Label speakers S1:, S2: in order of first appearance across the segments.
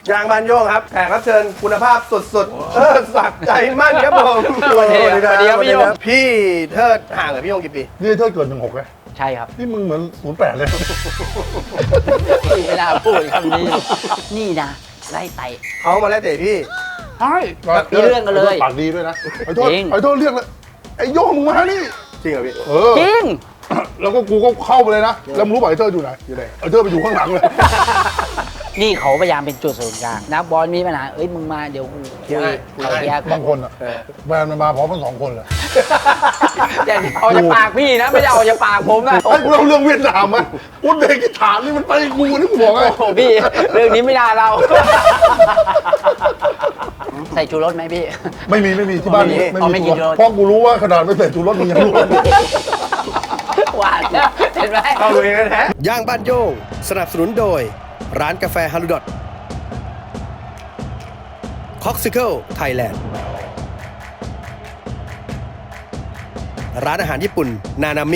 S1: ยางบานโยงครับแขกรับเชิญคุณภาพสุดๆสักใจมั่นครับผม
S2: สวัสดีครับพี่โยง
S1: พี่เทิดห่างกับพี่โยงกี่ปี
S3: นี่เธอเกิด16เลย
S2: ใช่ครับ
S3: นี่มึงเหมือน08เลย
S2: ไม่น่าพูดคำนี้ นี่นะไล่ไต่
S1: เขามาแล้วเตะพี่
S2: ใช่มีเรื่องกันเลย
S3: ปากดีด้วยนะไอ้โทษ
S2: จริง
S3: ไอ้โทษเรียกเลยไอ้โย่งมึงมานี่
S1: จริงเหรอพี่
S2: จริง
S3: แล้วก็กูก็เข้าไปเลยนะแล้วมึงรู้ป่ะไอ้เธออยู่ไหน
S1: อยู่ไหน
S3: ไอ้เธอไปอยู่ข้างหลังเลย
S2: นี่เขาพยายามเป็นจุดศูนย์กลางนักบอลมีปัญหาเอ้ยมึงมาเดี๋ยวกูคุยเอาเคลียร์
S3: บางคนอ่ะแฟนมันมาพร้อมกัน2 คนเลย
S2: แต่เอาจากปากพี่นะไม่ได้เอาจากปากผมนะ
S3: ไอ้กูเล่าเรื่องเวียดนามมั้ยอุซเบกิสถานนี่มันไปกูนี่กูบอกไง
S2: โอ้โหพี่เรื่องนี้ไม่น่าเราใส่ชูรสไหมพี่
S3: ไม่มีที่บ้าน
S2: ไม่กินชูรส
S3: เพราะกูรู้ว่าขนาดไม่ใส่ชูรสมึงยังรู้
S2: หวานนะเห็นไหม
S1: เข้าตัวเองแท้
S4: ย่างบ้านโย่งสนับสนุนโดย ร้านกาแฟฮารุดอทคอกซิเคิลไทยแลนด์ร้านอาหารญี่ปุ่นนานามิ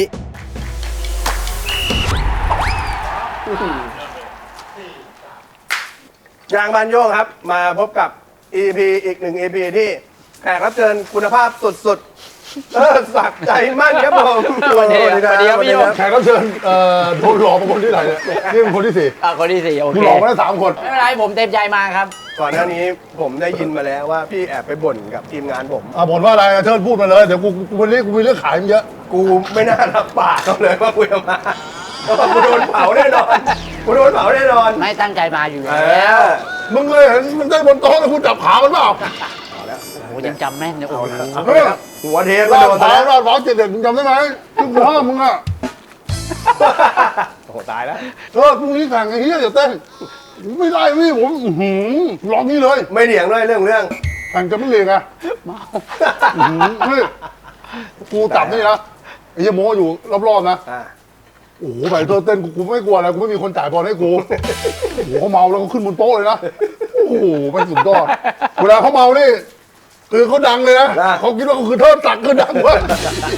S1: ยางบานโยงครับ มาพบกับ EP อีกหนึ่ง EP ที่แขกรับเชิญคุณภาพสุดๆสักใจมั่นครับผม
S2: สวัสดีครับพี่โยง
S3: แขกรับเชิญโดนหลอกมาคนที่ไหนเนี่ยนี่เป็นคนที่สี่
S2: คนที่4โอ
S3: มึ
S2: เค
S3: งหลอกมาได้3 คน
S2: ไม่เป็นไรผมเต็มใจมาครับ
S1: ก่อนหน้านี้ผมได้ยินมาแล้วว่าพี่แอบไปบ่นกับทีมงานผม
S3: บ่นว่าอะไรเธอพูดมาเลยเดี๋ยวกูวันนี้กูมีเรื่องขายมันเยอะ
S1: กูไม่น่ารับปากเขาเลยว่ากูจะมาเพราะว่ากูโดนเผาแน่นอนกูโดนเผาแน่นอน
S2: ไม่ตั้งใจมาอยู่
S1: เอ
S2: แล้ว
S1: อ
S3: มึงเลยเห็นมันได้บนโต๊ะแล้วคุณจับขามันเปล่า
S2: โอ้ยังจำแม่นเลยโอ้โห
S3: เฮ้ย
S1: หัวเทปก็
S3: รอ
S1: โด
S3: ด
S1: น
S3: เผา
S1: ซะแล้ว
S3: รอดเผา7 เด็กมึงจำได้ไหมที่กูห้ามมึงอ่ะ
S1: โอ้โหตายแล้ว
S3: พรุ่งนี้แข่งไอ้เหี้ยอย่าเต้นไม่ได้พี่ผมร้องนี้เลย
S1: ไม่เถียงด้วยเรื่อง
S3: แข่งจะไม่เลียงอ่ะ
S2: เมา
S3: นี่กูจับนี่นะไอ้เหี้ยโม้อยู่รอบๆนะ
S1: อ่า
S3: โอ้โหไปเธอเต้นกูไม่กลัวอะไรกูไม่มีคนจ่ายบอลให้กูโอ้โหเขาเมาแล้วเขาขึ้นบนโต๊ะเลยนะโอ้โหไม่สุดยอดเวลาเขาเมานี่คือเขาดังเลยนะเขาคิดว่าเขาคือเทิดศักดิ์คือดังเว้ย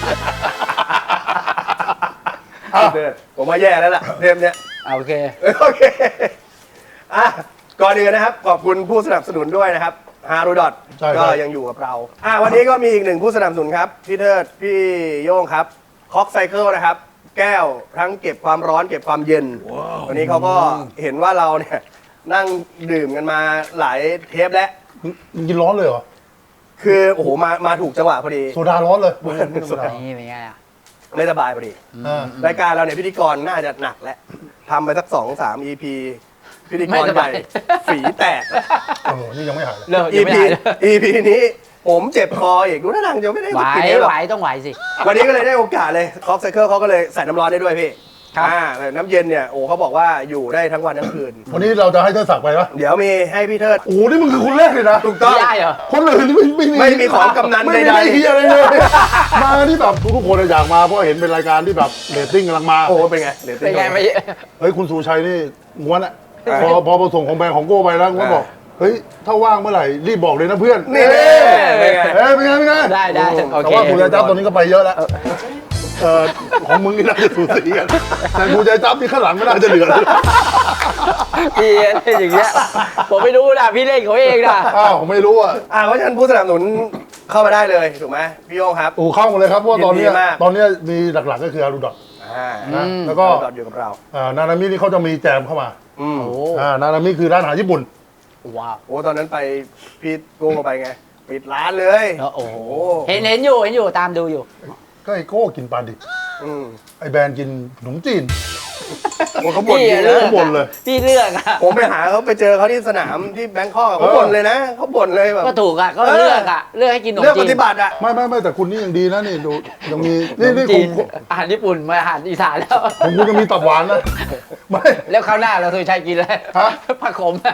S1: ผมว่าแย่แล้วล่ะเทปเนี้ย
S2: โอเค
S1: โอเคอ่ะก่อนอื่นนะครับขอบคุณผู้สนับสนุนด้วยนะครับฮารุดอทก็ยังอยู่กับเราวันนี้ก็มีอีกหนึ่งผู้สนับสนุนครับพี่เทิดพี่โย่งครับคอกไซเคิลนะครับ แก้วทั้งเก็บความร้อนเก็บความเย็นวันนี้เขาก็เห็นว่าเราเนี่ยนั่งดื่มกันมาหลายเทปแล้ว
S3: มึงกินร้อนเลยเหรอ
S1: คือโอ้โหมาถูกจังหวะพอดี
S3: โซดาร้อนเลย
S2: นี่เป็นไงอ่ะ
S1: ไม่สบายพอดี รายการเราเนี่ยพิธีกรน่าจะหนักแล้วทำไปสัก2-3 EP พิธีกรใหญ่ฝีแตก
S3: นี่ยังไม่หายเลย
S2: เลิกยังไม่
S1: EP
S2: ได้เลย
S1: EP นี้ผมเจ็บคออีกดูท่าทางจะไม่ได้
S2: ไหว
S1: กินเยอะหรอก
S2: ไหวต้องไหวสิ
S1: วันนี้ก็เลยได้โอกาสเลยคอกไซเคิลเขาก็เลยใส่น้ำร้อนได้ด้วยพี่
S2: ครับ
S1: แต่น้ำเย็นเนี่ยโอ้เขาบอกว่าอยู่ได้ทั้งวันทั้งคืน
S3: วันนี้เราจะให้เธอสักไปปะ
S1: เดี๋ยวมีให้พี่เทิด
S3: โอ้โหนี่มึงคือคนแรกเลยนะ
S1: ถูกต้อง
S2: ไม่ได้เหรอ
S3: คนอื่นนี่ไม่
S1: ไม่มีของกำนัน
S3: ไม่
S1: ใด
S3: ได้
S1: ๆ
S3: เฮียอะไรเลย มาที่แบบทุกคนอยากมาเพราะเห็นเป็นรายการที่แบบเรตติ้งกำลังมา
S1: โอ้เป็นไงเดี๋ยว
S2: เป็นไงไม่
S3: เฮ้ยคุณสุชัยนี่ง้วนอะพอส่งของแบงค์ของโก้ไปแล้วง้วนบอกเฮ้ยถ้าว่างเมื่อไหร่รีบบอกเลยนะเพื่อน
S1: นี่เป็นไง
S3: เอ้ยเป็นไงเป็นไง
S2: ได้โอ
S3: แต่
S2: เค
S3: ว่าคุณยายจับตอนนี้ก็ไปเยอะแล้วของมึงนี่น่าจะสูสีกันแต่คุณยายจับนี่ข้างหลังไม่น่าจะเหลือเลย
S2: พี่เล่นอย่างเงี้ยผมไม่รู้นะพี่เล่นเขาเองนะ
S3: อ้าวผมไม่รู้อ่ะ
S1: เพราะฉะนั้นผู้สนับสนุนเข้ามาได้เลยถูกไหมพี่โยงครับ
S3: โอ้เข้ามาเลยครับเพราะว่าตอนเนี้ย
S1: ยินดีมาก
S3: ตอนเนี้ยมีหลักๆก็คืออารูดอท นะแล้วก็
S1: ดอทอยู่กับเรา
S3: นานามินี่เขาจะมีแจมเข้ามา
S1: อืม
S2: โอ้
S3: นานามิคือร้านอาหารญี่ปุ่น
S2: ว้าว
S1: โอ้ตอนนั้นไปพี่โกงไปไงปิดร้านเลย
S2: แล้วโอ้โหเห็นอยู่ตามดูอยู่
S3: ก็ไอโก้กินปลาดิบ
S1: อืม
S3: ไอแบรนด์กินขนมจีน
S1: โอ้เขาบ่น
S2: พี่
S1: จริง
S2: เลื
S1: นะ
S2: อก
S3: เขาบ่นเลย
S2: พี่เลือกอะ
S1: ผมไปหาเขาไปเจอเขาที่สนามที่แบงคอกอะเขาบ่นเลยนะเขาบ่นเลยแบบ
S2: ก็ถูกอะก็เลือกอะเลือกให้กินขนม
S1: เลือก
S2: จี
S1: ป
S2: น
S1: ฏิบัติอะ
S3: ไม่แต่คุณนี่ยังดีนะนี่ดูยังมี
S2: ขนม
S3: นี่
S2: จีน
S3: ของ
S2: อาหารญี่ปุ่นมาอาหารอีสานแล้ว
S3: ของคุณยังมีตับหวานนะไม่
S2: แล้วคราวหน้าเราเคยใช้กินเลย
S3: ฮะ
S2: ผักขมอะ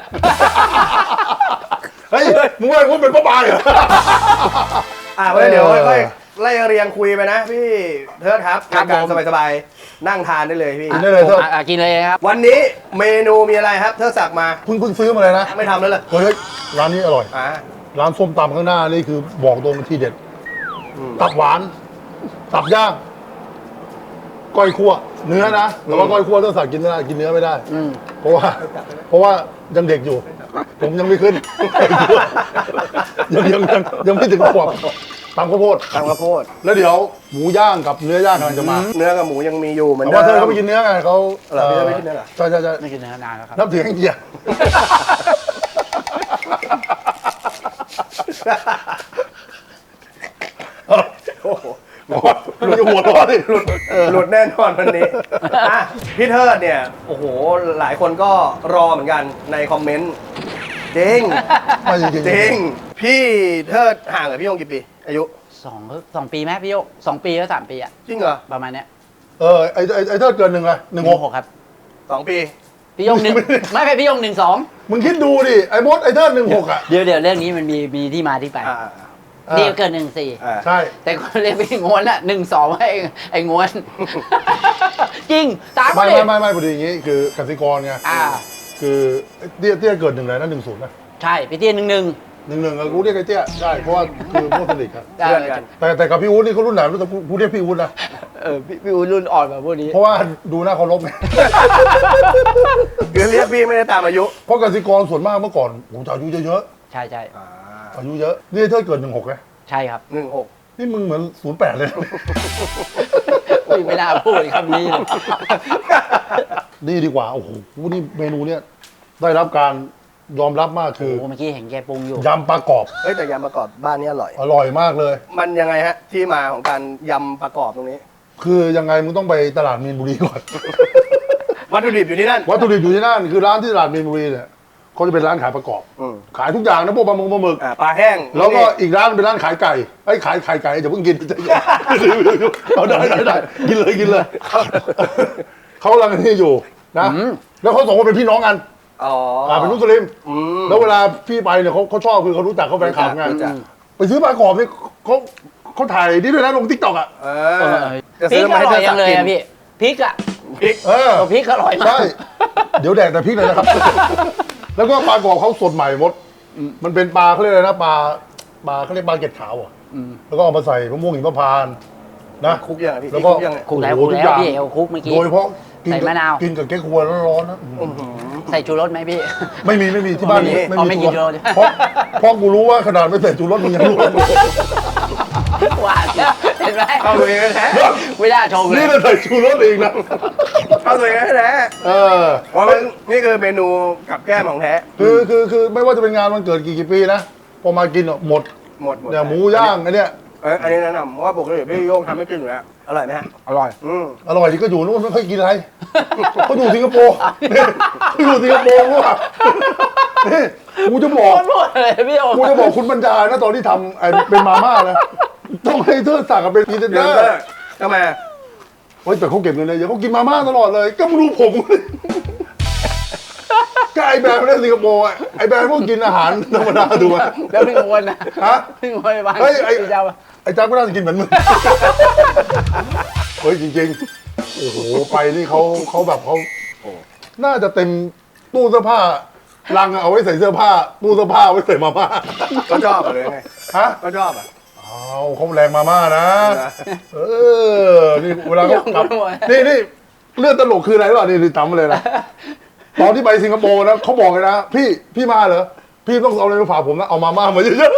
S3: เฮ้ยมึงว่าคุณเป็นป้าบายเหรอ
S1: ไว้เดี๋ยวค่อยๆไล่เรียงคุยไปนะพี่เทิดครับรายการสบายๆนั่งทานได้เลยพี่
S3: กินได้เลยเถอะ
S2: กินเลยครับ
S1: วันนี้เมนูมีอะไรครับเทิดสั่งมา
S3: เพิ่งซื้อมาเลยนะ
S1: ไม่ทำแล้วเหรอ
S3: เฮ้ยร้านนี้อร่อย
S1: อ่า
S3: ร้านส้มตำข้างหน้านี่คือบอกตรงที่เด็ด ตับหวาน ตับย่าง ก้อยคั่ว เนื้อนะแต่ว่าก้อยคั่วต้องสั่งกินเนื้อไม่ได้
S2: อืม
S3: เพราะว่ายังเด็กอยู่ผมยังไม่ขึ้น ยังไม่ถึงขวบตำข้าวโพด
S1: ตำข้าวโพด
S3: แล้วเดี๋ยวหมูย่างกับเนื้อย่างกำลังจะมา
S1: เนื้อกับหมูยังมีอยู่เหมือน
S3: แต่
S1: เดิ
S3: ว่าม เธอเขาไม่กินเนื้อไงเขา
S1: เหรอพี่เธอไม่กินเนื้อเหรอ
S3: ใช่ใช่ใช่
S2: ไม่กินเนื้อนานแล้วครับ
S3: นับถือแห้งเกียร์
S1: โอ้โห
S3: มันจะหัวร้อนดิ
S1: หลุดแน่นอนวันนี้อ่ะพี่เทิดเนี่ยโอ้โหหลายคนก็รอเหมือนกันในคอมเมนต์จริง
S3: ไม่จริง
S1: จริงพี่เทิดห่างกับพี่ยงกี่ปี อายุ
S2: สองปีไหมพี่โยก2 ปีแล้ว3 ปีอะ
S1: จริงเหรอ
S2: ประมาณเนี้ย
S3: ไอ้เธอเกินหนึ่งเลย16
S2: 16ครับ
S1: 2 ปี
S2: พี่โยงหนึ่งไม่พี่โยง12
S3: มึงคิดดูดิไอ้มดไอ้เธอ16อ่ะ
S2: เดี๋ยวเรื่องนี้มันมีที่มาที่ไป
S1: อ่า
S2: นี่เกิน14
S1: อ่า
S3: ใช่
S2: แต่คนเรียกพี่งวนอะ12ไอ้งวน จริงตาม
S3: ไม่
S2: เลย
S3: พอดีอย่างงี้คือกสิกรไง
S2: อ่า
S3: คือเตี้ยเกิดหนึ่งเลยนะ10นะ
S2: ใช่พี่เตี้ย11
S3: กูเรียกไอ้เตี้ยใช่เพราะว่าคือพวกสนิทกัน
S1: เพื่อนกัน
S3: แต่กับพี่วุฒินี่เขารุ่นไหนรู้แต่กูเรียกพี่วุฒินะ
S2: พี่อุ้นรุ่นอ่อนแบบพวกนี้
S3: เพราะว่าดูหน้าเคารพไง
S1: คือเรียกพี่ไม่ได้ตามอายุ
S3: เพราะกสิกรส่วนมากเมื่อก่อนโอ้โหจะอายุเยอะ
S2: ใช่
S3: ๆอายุเยอะนี่เธอเกิด16ไง
S2: ใช่ครับ
S1: 16
S3: นี่มึงเหมือน08เลย
S2: อุ้ยไม่น่าพูดคำนี้เลย
S3: นี่ดีกว่าโอ้โหนี่เมนูเนี้ยได้รับการยอมรับมากคือ
S2: โอ้เมื่อกี้เห็นแกปรุงอยู่
S3: ยำปลากรอบ
S1: เฮ้ยแต่ยำประกอบบ้านนี้อร่อย
S3: อร่อยมากเลย
S1: มันยังไงฮะที่มาของการยำประกอบตรงนี้
S3: คือยังไงมึงต้องไปตลาดมีนบุรีก่อน
S1: วัตถุดิบอยู่ที่นั่น
S3: วัตถุดิบอยู่ที่นั่นคือร้านที่ตลาดมีนบุรีเนี่ยเขาจะเป็นร้านขายประกอบ
S1: อืม
S3: ขายทุกอย่างนะพวกปลาหมึก
S1: ปลาแห้ง
S3: แล้วก็อีกร้านเป็นร้านขายไก่ไอ้ยขายไข่ไก่อย่าเพิ่งกิน เอาได้กินเลยเขากำลังนี่อยู่นะแล้วเขาสองคนเป็นพี่น้องกัน
S1: อ๋อ
S3: เป็นมุสลิม
S1: อืม
S3: แล้วเวลาพี่ไปเนี่ยเขาชอบคือเขารู้จักเขาแฟนคลับไง
S1: รู้จัก
S3: ไปซื้อปลากรอบนี่เขาถ่ายนี่ด้วยนะลงทิกตอกอ่ะ
S1: เออจะ
S2: พริ
S1: ซื้
S2: ก
S1: อมา
S2: อ
S1: ให้
S2: ร่
S1: เธ
S2: อย
S1: อ
S2: ยังเลย
S1: กิน
S2: อะพี่พริกอะ
S1: พริก
S2: พริกอร่อยมา
S3: ใช่
S2: ก
S3: เดี๋ยวแดกแต่พริกเลยนะครับ แล้วก็ปลากรอบเขาสดใหม่หมด มันเป็นปลาเขาเรียกอะไรนะปลาเขาเรียกปลาเกล็ดขาวอ่ะแล้วก็เอามาใส่มะม่วงหิมพานต์นะ
S1: คุกยังไงพี่
S3: แล้วก็
S1: คุกยังไง
S2: คุกแล้ว
S3: โอ้โหทุกอย่าง
S2: พี่เอาคุกเมื่อกี้
S3: โดยเฉพาะกิ
S2: ใส่มะนาว
S3: กินกับแก้ครัวร้อนๆนะ
S2: ใส่ชูรสไหมพี่
S3: ไม่มีที่บ้าน
S2: ไม่กินชูรส
S3: เพราะกูรู้ว่าขนาดไม่ใส่ชูรสมึงยังรู้
S2: หวานนะเห็นไหม
S1: เข้าตัวเองแท้
S2: ไม่ได้ชงเลย
S3: นี่เราใส่ชูรสเองนะ
S1: เข้าตัวเองแท้ เพราะมันนี่คือเมนูกับแก้มของแท้
S3: คือไม่ว่าจะเป็นงานวันเกิดกี่ปีนะพอมากินหมด
S1: หมด
S3: เนี่ยหมูย่างอันเนี้ย
S1: อันนี้แนะนำเพราะว่าปกติพี่โย่งทำให้กินอยู่แล้วอร่อยไหมฮะ
S2: อร่อย
S3: อร่อยที่ก็อยู่นู้นไม่ค่อยกินอะไรเขาอยู่สิงคโปร์เขาอยู่สิงคโปร์กูอ่ะนี่กูจะบอก
S2: พูดเลยพี่โอ
S3: กูจะบอกคุณบรรดานะตอนที่ทำไอ้เป็นมาม่านะต้องให้เธอสั่งกับเป็นพรีเซนเต
S1: เดื
S3: อ
S1: อ
S3: ร์
S1: ดทำไม
S3: เฮ้ยแต่เขาเก็บเงินเลยเดี๋ยวเขากินมาม่าตลอดเลยก็ไม่รู้ผมก็ไอ้แบรนด์ไม่ได้สิงคโปร์อ่ะไอ้แบรนด์พวกกินอาหารธรรมดาดูอ่ะ
S2: แล้วพี่งวนนะ
S3: ฮะ
S2: พี่งวนไปบ้าง
S3: เฮ้ยไอ้
S2: พี่เจ้า
S3: ไอ้จ้าก็น่าจะกินเหมือนมึง เฮ้ยจริงๆ โอ้โหไปนี่เขาแบบเขาน่าจะเต็มตู้เสื้อผ้าลังเอาไว้ใส่เสื้อผ้าตู้เสื้อผ้าไว้ใส่มาม่า
S1: ก็ชอบอะเลยไง
S3: ฮะ
S1: ก็ชอบอ่ะ
S3: เอาเขาแรงมาม่านะ เออ นี่เวลาเขากลับนี่เรื่องตลกคืออะไรวะนี่จำมาเลยนะ ตอนที่ไปสิงคโปร์นะเขาบอกเลยนะพี่มาเหรอ พี่ต้องเอาอะไรมาฝากผมนะ เอามาม่ามาเยอะ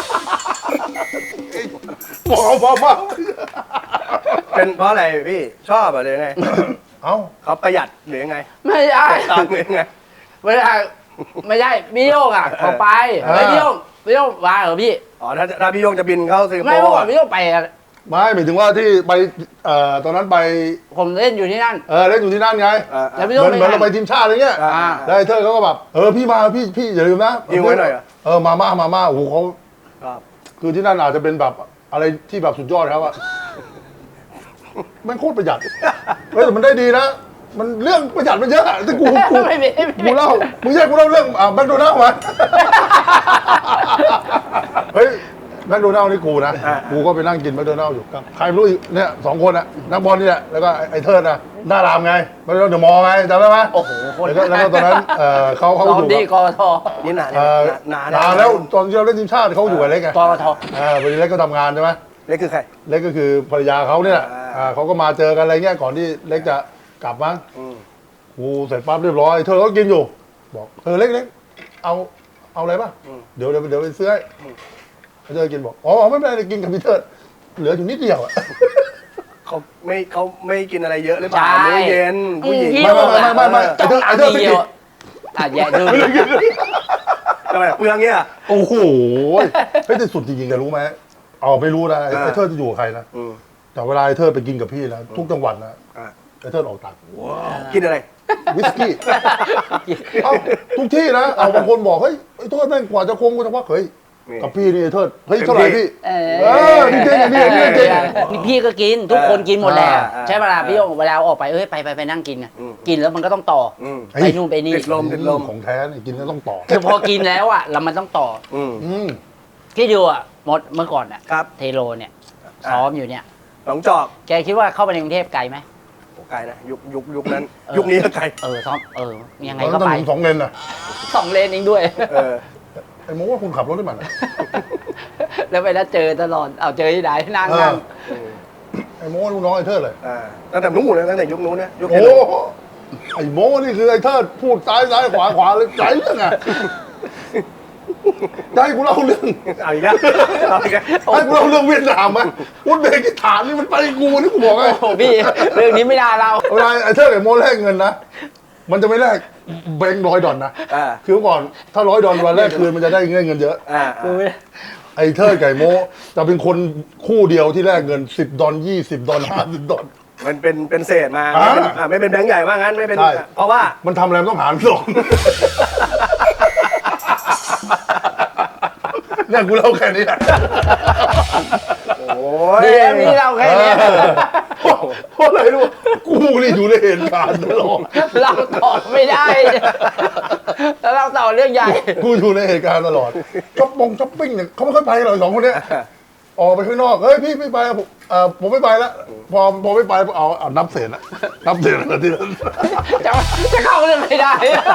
S3: ๆบอกเอามาม่า
S1: เป็นเพราะอะไรพี่ชอบอะเลยไง
S3: เอ้า
S1: เขาประหยัดหรือยังไง
S2: ไม่ใช่
S1: ตามหรือยังไง
S2: ไม่ใช่ไม่ใช่พี่โยกอ่ะเขาไปไม่พี่โยกมาเหรอพี่
S1: อ๋อถ้าพี่โย่งจะบินเข้าสิงคโป
S2: ไม่เมื่อ
S1: ร์
S2: ก่อนพี่โยกไปอะ
S3: ไม่หมายถึงว่าที่ไปตอนนั้นไป
S2: ผมเล่นอยู่ที่นั่น
S3: เล่นอยู่ที่นั่นไง
S2: แล้วพี่
S3: เห
S2: โยก
S3: มือนเราไปทีมชาติอะไรเงี้ย
S2: อ่า
S3: แล้วไอ้เธอเขาก็แบบพี่มาพี่อย่าลืมนะ
S1: ยิงไว้หน่อยเหรอ
S3: มาม่าโอ้โหเขา
S1: ครับ
S3: คือที่นั่นอาจจะเป็นแบบอะไรที่แบบสุดยอดครับอะมันโคตรประหยัดเฮ้ยแต่มันได้ดีนะมันเรื่องประหยัดมันเยอะอะแต่กู
S2: ไม่มี
S3: กูเล่ามึงแยกกูเล่าเรื่องแมคโดนัลด์มาเฮ้ยแมคโดนัลด์นี่กูนะกูก็ไปนั่งกินแมคโดนัลด์อยู่ครับใครไม่รู้อีกเนี่ย2 คนอะนักบอลนี่แหละแล้วก็ไอ้เทิดนะหน้ารามไงแมคโดนัลด์เดอะมอลล์ไงจำได้ไหม
S2: โอ้โหคน
S3: แล้วก็ตอนนั้นเขา
S2: ต
S3: อ
S2: อน
S3: ยู่
S2: ดีก
S3: กับ
S2: ท
S1: นี่นาน
S3: นานแล้วตอนที่เราเล่นทีมชาติเขาอยู่กับเล็กไง
S2: กท
S3: พอดีเล็กก็ทำงานใช่ไหม
S1: เล็กคือใคร
S3: เล็กก็คือภรรยาเขาเนี่ยแหละเขาก็มาเจอกันอะไรเงี้ยก่อนที่เล็กจะกลับมั้งกูเสร็จปั๊บเรียบร้อยเธอก็กินอยู่บอกเล็กเอาอะไรป่ะเดี๋ยวไปซื้อให้เขาจะกินบอกอ๋อไม่เป็นไรกินกับพี่เทิดเหลืออยู่นิดเดียวอะ
S1: เขาไม่กินอะไรเยอะหรือเปล่ามื้อเย็นผู้หญิง
S3: ไม่ไอ้เทิดไม่กิน
S2: แย่ดู
S1: ทำไมเปลืองเงี้ย
S3: โอ้โหเฮ้ยแต่สุดจริงๆแกรู้ไหมเอาไม่รู้นะไอ้เทิดจะอยู่กับใครนะแต่เวลาไอ้เทิดไปกินกับพี่นะทุกจังหวัดนะไอ้เทิดออกตังค์
S1: กินอะไร
S3: วิสกี้เอ้าทุกที่นะเอาบางคนบอกเฮ้ยไอ้เทิดแม่งกว่าจะคงกูจะว่าเฮ้ยกับพี่นี่ไอ้เทิดเฮ้ยเท่าไหร่พี่จริงจริงจริง
S2: พี่ก็กินทุกคนกินหมดแหละใช่เวลาพี่โยงเวลาออกไปไปนั่งกินไงกินแล้วมันก็ต้องต่อไปนู่นไปนี่
S1: ติดลม
S3: ของแท้เนี่ยกินแล้วต้องต่อ
S2: คือพอกินแล้วอ่ะแล้วมันต้องต่อที่ดูอ่ะมดเมื่อก่อนอ่ะ
S1: ครับ
S2: เทโลเนี่ยซ้อมอยู่เนี่ย
S1: หนองจอก
S2: แกคิดว่าเข้าไปในกรุงเทพไกลไหม
S1: ไกลนะยุคนั้น ยุคนี้ก็ไกล
S2: ซ้อมยังไง
S3: แล้ว
S2: ก็
S3: ต้อง
S2: ไป
S3: ถึง2 เลนน่ะ
S2: 2 เลนเองด้วย
S3: ไอ้โม้ว่าคุณขับรถได้มัน
S2: แล้วไปแล้วเจอตลอดเอาเจอที่ไหนนั่ง
S3: ไอ้โม้ลูกน้องไอ้เทิดเลย
S1: ตั้งแต่นู้นเลยตั้งแต่ยุคนู้นนะยุค
S3: โอ้ไอ้โม้นี่คือไอ้เทิดพูดซ้ายขวาเลยใจเรื่องอะได้กูเล่าเรื่อง
S1: เอาอีกแล้วเอาอีกแล้ว
S3: ให้กูเล่าเรื่องเวียดนามไหมอุซเบกิสถานนี่มันไปกูนี่กูบอกไง
S2: โอ้พี่เรื่องนี้ไม่น่าเรา
S3: เวลาไอ้เทิดไอ้โม้แลกเงินนะมันจะไม่แลกแบงค์$100นะคือเมื่อก่อนถ้า$100วันแรกคืนมันจะได้เงินเยอะไอ้เทิดไก่โม้จะเป็นคนคู่เดียวที่แลกเงิน$10 $20 $50
S1: มันเป็นเศษมาไม่เป็นแบงค์ใหญ่ว่างั้นไม่เป็นเพราะว่า
S3: มันทำอะไรมันต้องหาร2เนี่ยกูเล่าแค่นี้แหละ
S1: โอ้ย
S2: มีเราแค่นี้
S3: เพราะอะไรรู้กูนี่อยู่ในเหตุการณ์ตลอด
S2: เราต่อไม่ได้ แล้วเราต่อเรื่องใหญ่
S3: กูอยู่ในเหตุการณ์ตลอดช้อปปิ้งเนี่ยเขาไม่ค่อยไปหรอก2 คนเนี้ยออกไปข้างนอกเฮ้ยพี่ไม่ไปผมไม่ไปแล้วพอไม่ไปเอานับเศษละนับเศษละทีนั้น
S2: จะเข้าเรื่องไม่ได้